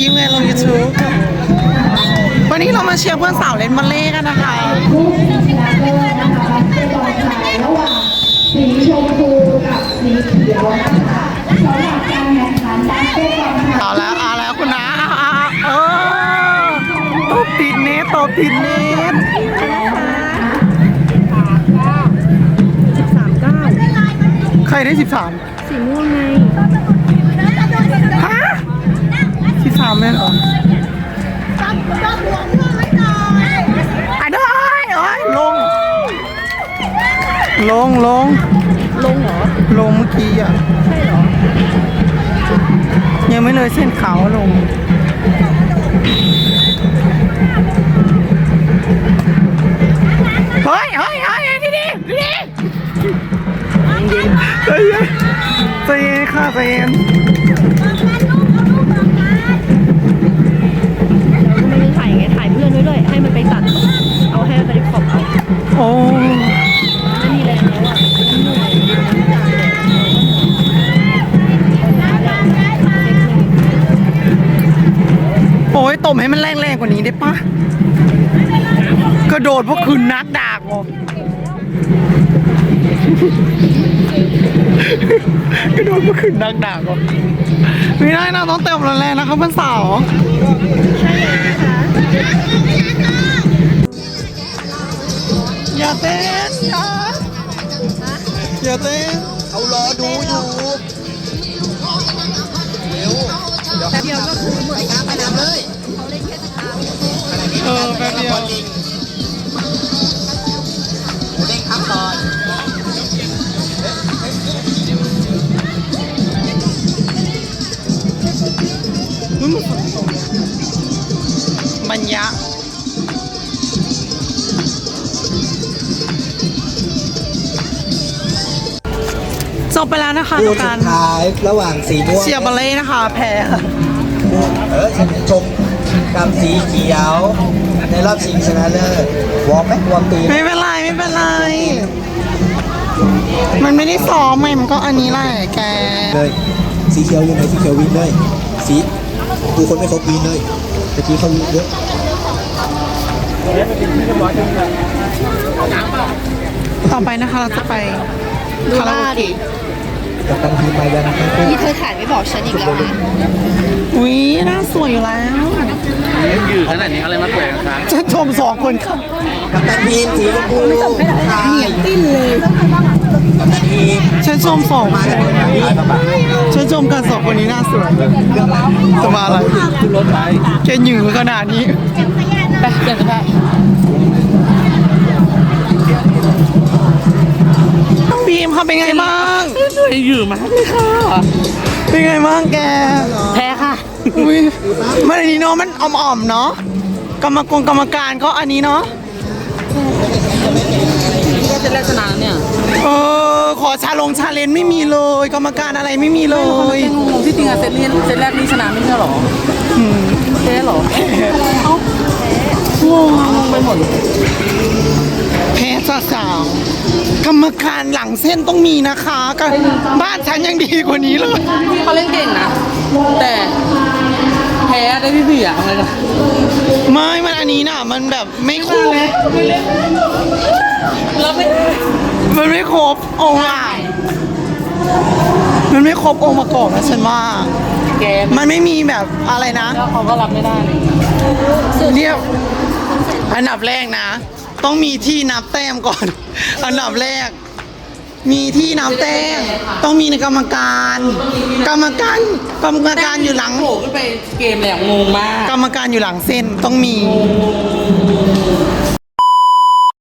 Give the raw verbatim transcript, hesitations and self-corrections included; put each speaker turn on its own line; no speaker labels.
คลิปไงลง ยูทูบ วันนี้เรามาเชียร์เพื่อนสาวเล่นวอลเลย์กันนะคะ
ผู้ชนะเลิศนะคะบาสเกตบอลชายระหว่างสีชมพูกับสีเขียวนะคะสำหรับการแข่งขันบาสเกตบอลชาย
เอาแล้วเอาแล้วคุณนะเอาเอาเออตบติดเน็ตตบติดเน็ต
สิบสามเก้า
ใครได้สิบสาม
สีม่วงไง
ฮะสิบสามแม่เหรออ่ะได้เอ้ยลงลงลง
ลงเหรอ
ลงเมื่อกี้อ่ะ
ใช่เหรอ
ยังไม่เลยเส้นขาวลงเฮ้ยเฮ้ยเฮ้ยดีดีดีใจเย็นใจเย็นค่ะใจเย็น
เราก็ไม่ได้ถ่ายไงถ่ายเพื่อนด้วยด้วยให้มันไปตัดเอาให้มันไปขอบเอา
โอ้
ไม่มีแรงแล้วอ่ะ
โอ้ยตบให้มันแรงๆกว่านี้ได้ปะกระโดดพวกคืนนักดากอ่ะกระโดดพวกคืนนักดากอ่ะไม่ได้นะต้องเติมแรงๆนะครับเพื่อนสาว
ใช่เลยนะคะ
อย่าเต้นอย่าอย่าเต้น
เขารอดูอยู่เร็ว
แป๊บเดียวก็คือเหมือนกัน
ไปน้ำเลย
เขาเล่นแค่สิบห้า
เออแป๊บเดียว
หมูเด้งครับก่อน
บรรยะจบไปแล้วนะคะ
คู่
กา
สุ
ร
ดท้ายระหว่างสีม่วง
เชียร์บอลเล่นะคะแพ้
เออชมกับสีเขียว ในรอบชิงชนะเลิศวอร์มไหมวอร์มตี
ไม่เป็นไรไม่เป็นไร มันไม่ได้ซ้อมไงมันก็อันนี้แหละแก
เลยสีเขียวอยู่ไหนสีเขียววินเลยสีดูคนไม่ครบวินเลยตะกี้เขาวินเยอะ
ต่อไปนะคะเราจะไปคาราโอเกะ
กับตันทีมมายังทั้งคู่
นี่เธอถ่ายไม่บอกฉันอีกแล้วนะ
อุ้ยหน้าสวยอยู่แล้ว
ยืดขนาดนี้อะไรมาแปลกครับ
ฉันชมสองคนครับ
กับตันทีมสีชมพูเหนียวติ้นเลยกับตันทีม
ฉันชมสองคนฉันชมกันสองคนนี้หน้าสวยจะมาอะไรแกหยือขนาดนี้ไปเปลี่ยนเสื้อผ้าบีมค่ะเป็นไงบ้าง
เหนื่อยอยู่มากเลยค่ะ
เป็นไงบ้างแก
แพ้ค่ะ
อุ้ยมันอันนี้เนาะมันอ่อมๆเนาะกรรมกรกรรมการก็อันนี้เนาะ
นี่ก็จะแรกชนะเนี่ย
เออขอชาลงชาเลนไม่มีเลยกรรมการอะไรไม่มีเลย
ที่จริงอะเซตนี้เซตแรกนี่ชนะไม่ใช่หรอแพ้หรอเอ้างงงงไปหมด
แพ้ซะสาวกรรมการหลังเส้นต้องมีนะคะกันบ้านฉันยังดีกว่านี้เลย
เขาเล่นเก่งนะแต่แพ้ได้พี่พี่อะอะไรนะ
ไม่มันอันนี้น่ะมันแบบไม่ครบ
แล้วไม่
มันไม่ครบองค์อ่ะมันไม่ครบองค์ประกอบนะฉันว่า
แก
มันไม่มีแบบอะไรนะ
แล้วเขาก็รับไม่ได้
เรียกอันดับแรกนะต้องมีที่นับแต้มก่อนอันดับแรกมีที่นับแต้มต้องมีในกรรมการกรรมการกรรมการอยู่หลัง
โผล่ขึ้นไปเกมเลยงงมาก
กรรมการอยู่หลังเส้นต้องมี